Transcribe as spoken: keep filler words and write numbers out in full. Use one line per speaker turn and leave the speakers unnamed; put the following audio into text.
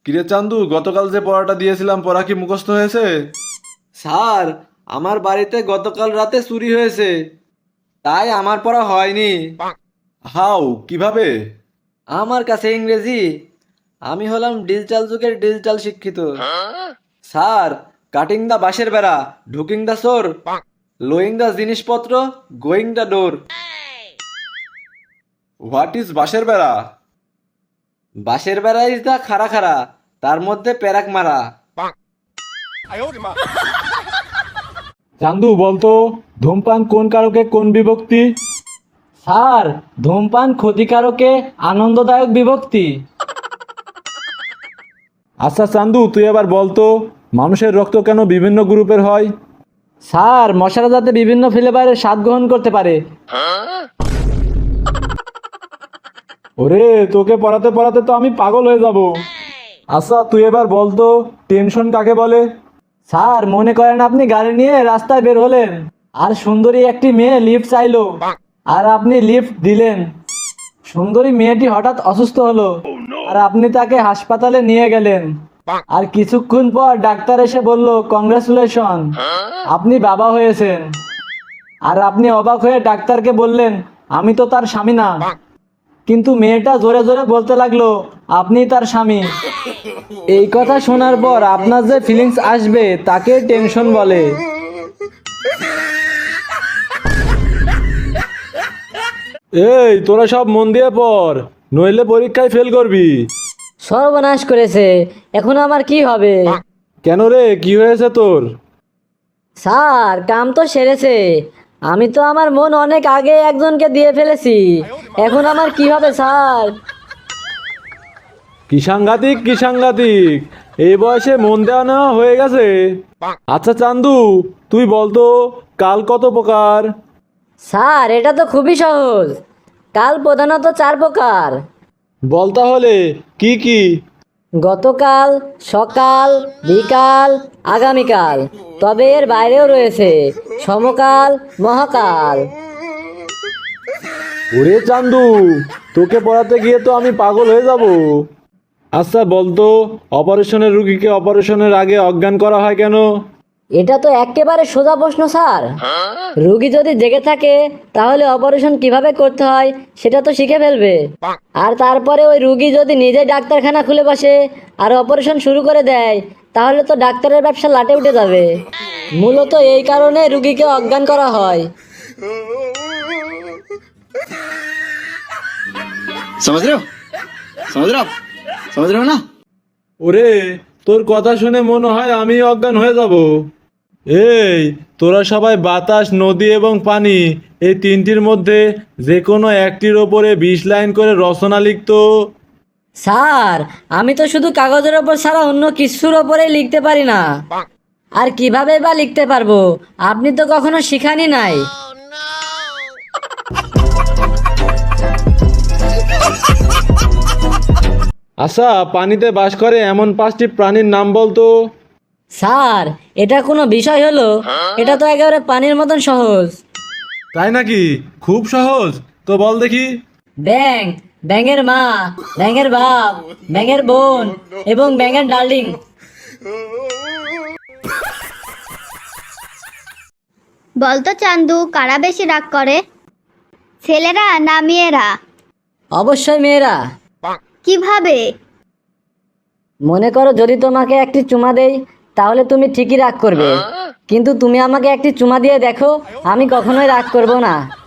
কিরে চান্দু, গতকাল যে পড়াটা দিয়েছিলাম পড়া কি মুখস্থ হয়েছে?
স্যার, আমার বাড়িতে গতকাল রাতে চুরি হয়েছে, তাই আমার পড়া হয়নি।
হাউ, কিভাবে?
আমার কাছে ইংরেজি, আমি হলাম ডিজিটাল যুগের ডিজিটাল শিক্ষিত। স্যার, কাটিং দা বাঁশের বেড়া, ঢুকিং দা চোর, লোয়িং দা জিনিসপত্র, going the door.
What is বাঁশের বেড়া?
বাঁশের বেড়া ইজ দা খাড়া খাড়া, তার মধ্যে প্যারাক মারা।
চান্দু বলতো, ধূমপান কোন কারকে কোন বিভক্তি? স্যার, ধূমপান ক্ষতিকারকে আনন্দদায়ক বিভক্তি। আচ্ছা চান্দু, তুই এবার বলতো, মানুষের রক্ত কেন বিভিন্ন গ্রুপের হয়? স্যার, মশারা যাতে বিভিন্ন ফ্লেভারের স্বাদ গ্রহণ করতে পারে। ওরে, তোকে পড়াতে পড়াতে তো আমি পাগল হয়ে যাব। আচ্ছা তুই এবার বলতো, টেনশন কাকে বলে? স্যার, মনে করেন আপনি গাড়ি নিয়ে রাস্তায় বের হলেন, আর সুন্দরী একটি মেয়ে লিফট চাইলো, আর আপনি লিফট দিলেন। সুন্দরী মেয়েটি হঠাৎ অসুস্থ হলো, আর আপনি তাকে হাসপাতালে নিয়ে গেলেন। আর কিছুক্ষণ পর ডাক্তার এসে বলল, কংগ্রাচুলেশন, আপনি বাবা হয়েছেন। আর আপনি অবাক হয়ে ডাক্তারকে বললেন, আমি তো তার স্বামী না। কিন্তু মেয়েটা জোরে জোরে বলতে লাগলো, আপনি তার স্বামী। এই কথা শোনার পর আপনার যে ফিলিংস আসবে তাকে টেনশন বলে। এই, তোরা সব মন দিয়ে পড়, নইলে পরীক্ষায় ফেল করবি।
সর্বনাশ করেছে, এখন আমার কি হবে?
কেন রে, কি হয়েছে তোর?
স্যার, কাম তো সেরেছে, আমি তো আমার মন অনেক আগে একজনকে দিয়ে ফেলেছি, এখন আমার কি হবে স্যার?
কি সাংঘাতিক, কি সাংঘাতিক, এই বয়সে মন দেওয়া নেওয়া হয়ে গেছে। আচ্ছা চান্দু, তুই বলতো, কাল কত প্রকার?
স্যার, এটা তো খুবই সহজ, কাল প্রধানত চার প্রকার।
বল তাহলে, কি কি?
গতকাল, সকাল, বিকাল, আগামীকাল, তবে এর বাইরেও রয়েছে সমকাল, মহাকাল।
ওরে চান্দু, তোকে পড়াতে গিয়ে তো আমি পাগল হয়ে যাব। আচ্ছা বলতো, অপারেশনের রুগীকে অপারেশনের আগে অজ্ঞান করা হয় কেন?
এটা তো একেবারে সোজা প্রশ্ন স্যার। রুগী যদি জেগে থাকে তাহলে অপারেশন কিভাবে করতে হয় সেটা তো শিখে ফেলবে। আর তারপরে ওই রুগী যদি নিজে ডাক্তারখানা খুলে বসে আর অপারেশন শুরু করে দেয়, তাহলে তো ডাক্তারের ব্যবসা লাটে উঠে যাবে। মূলত এই কারণে রুগীকে অজ্ঞান করা হয়।
समझ रहे हो समझ रहे हो आप समझ रहे हो ना?
ওরে, তোর কথা শুনে মনে হয় আমি অজ্ঞান হয়ে যাব। এই, তোরা সবাই বাতাস, নদী এবং পানি, এই তিনটির মধ্যে যে কোনো একটির ওপরে বিশ লাইন করে রচনা লিখতো।
স্যার, আমি তো শুধু কাগজের ওপর ছাড়া অন্য কিছুর ওপরেই লিখতে পারি না। আর কিভাবে বা লিখতে পারবো, আপনি তো কখনো শিখানি নাই।
আচ্ছা, পানিতে বাস করে এমন পাঁচটি প্রাণীর নাম বলতো।
স্যার, এটা কোনো বিষয় হলো? এটা তো একেবারে পানির মতন সহজ।
তাই নাকি? খুব সহজ, তো বল দেখি।
ব্যাঙ, ব্যাঙের মা, ব্যাঙের বাপ, ব্যাঙের বোন এবং ব্যাঙের ডার্লিং।
বলতো চান্দু, কারা বেশি রাগ করে, ছেলেরা না মেয়েরা?
অবশ্যই মেয়েরা।
কিভাবে?
মনে করো যদি তোমাকে একটি চুমা দেই তাহলে তুমি ঠিকই রাগ করবে, কিন্তু তুমি আমাকে একটি চুমা দিয়ে দেখো, আমি কখনোই রাগ করব না।